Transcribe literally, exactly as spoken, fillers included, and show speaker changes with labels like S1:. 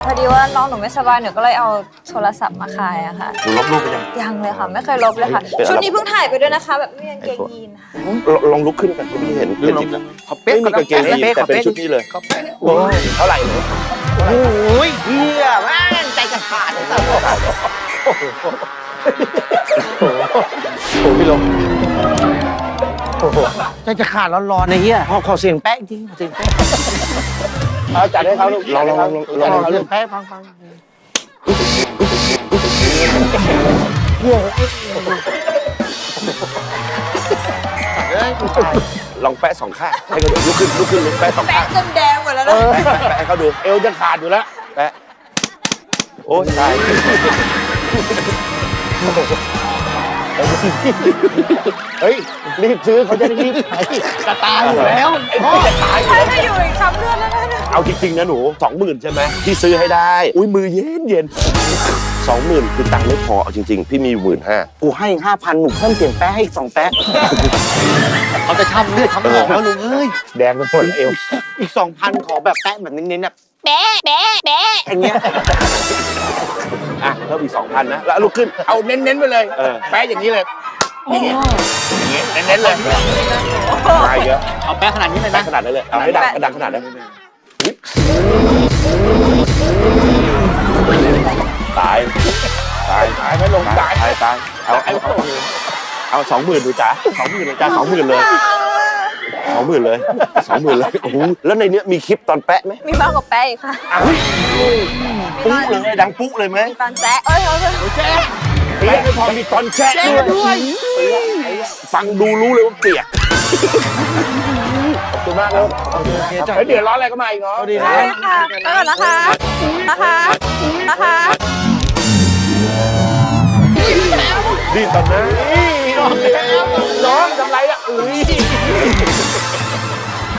S1: อดีว่าน้องหนูไม่สบายหนูก็เลยเอาโทรศัพท์มาขายอะค่ะ
S2: หนูลบรูปไปยัง
S1: ยังเลยค่ะไม่เคยลบเลยค่ะชุดนี้เพิ่งถ่ายไปด้วยนะคะแบบไม่มีกางเกงยีนค่ะ
S2: ลองลุกขึ้นกันที่เห็นเห็นจริงแล้ว
S3: ขอเป๊ะ
S2: ไม่มีกางเกงยีนแต่เป็นชุดนี้เลยโอ้ยเท่าไหร่หนู
S3: โอ้ยเฮียแม่งใจจะขาดเลยโอ้โหโอ้พี่ลงโอ้โหใจจะขาดร้อนๆในเฮียขอขอเสียงแป๊ะจริงเสียงแป๊ะ
S2: เอาจัดให้เขาลูกลองลองลองลอง
S3: เสียงแป๊ะฟังฟัง
S2: ลองแปะสองข้างให้เขาดูลุกขึ้นลุกขึ้นลุกแปะสองข้าง
S1: แปะจนแดงหมดแล้วนะ
S2: แปะให้เขาดูเอวจะขาดอยู่แล้วแปะโอ้ใช่เฮ้ยรีบซื้อเขาจะได้รีบขาย
S3: จะตายอยู่แล้ว
S2: จะตายอยู่
S1: ใช่
S2: แล้ว
S1: จะอยู่อีกช้ำเลือดแล้วนะ
S2: เอาจริงๆนะหนูสองหมื่นใช่ไหมที่ซื้อให้ได้อุ้ยมือเย็นเย็นสองหมื่นคือตังค์ไม่พอเอาจริงๆพี่มีหมื่นห้า
S3: กูให้ห้าพันหนูเพิ่มเปลี่ยนแป๊ะให้อีกสองแป๊ะเขาจะช้ำเลือดช้ำหนองแล้วลุงเอ้ย
S2: แดงไปหมดเอว
S3: อีกสองพันขอแบบแป๊ะแบบเน้นๆแบบแป๊ะแป๊ะแป๊ะอย่างเงี้ย
S2: อ่ะเพิ่มอีกสองพันนะแล้วลุกขึ้น
S3: เอาเน้นๆไปเลยแป๊ะอย่างนี้เลยอย่างเงี้ยอย่างเงี้ยเน้นๆเลย
S2: มาเยอะ
S3: เอาแป๊ะขนาดนี้เลยนะ
S2: ขนาดนั้นเลยเอาให้ดังดังขนาดนั้นตายตาย
S3: ตายไม่ลงตาย
S2: ตายตายเอาเอาเอาสองหมื่นดูจ้าสองหมื่นเลยจ้าสองหมื่นเลยสองหมื่นเลยสองหมื่นเลยโอ้โหแล้วในเนี้ยมีคลิปตอนแปะไหม
S1: มีมากกว่าแปะอีกค่ะ
S2: ปุ๊เลยดังปุ๊เลยไหม
S1: ตอนแจ๊เอ้ยเอ้ย
S3: แจ๊
S2: แปะไม่พอมีตอนแชะด้วยฟังดูรู้เลยว่าเปียกขอบคุณมากครับเดี๋ยวร้อนอะไรก็มาอีกเนาะ
S3: ดีนะ
S1: ค่ะไปก่อนนะคะนะคะนะคะ
S2: ดีตอนนั้น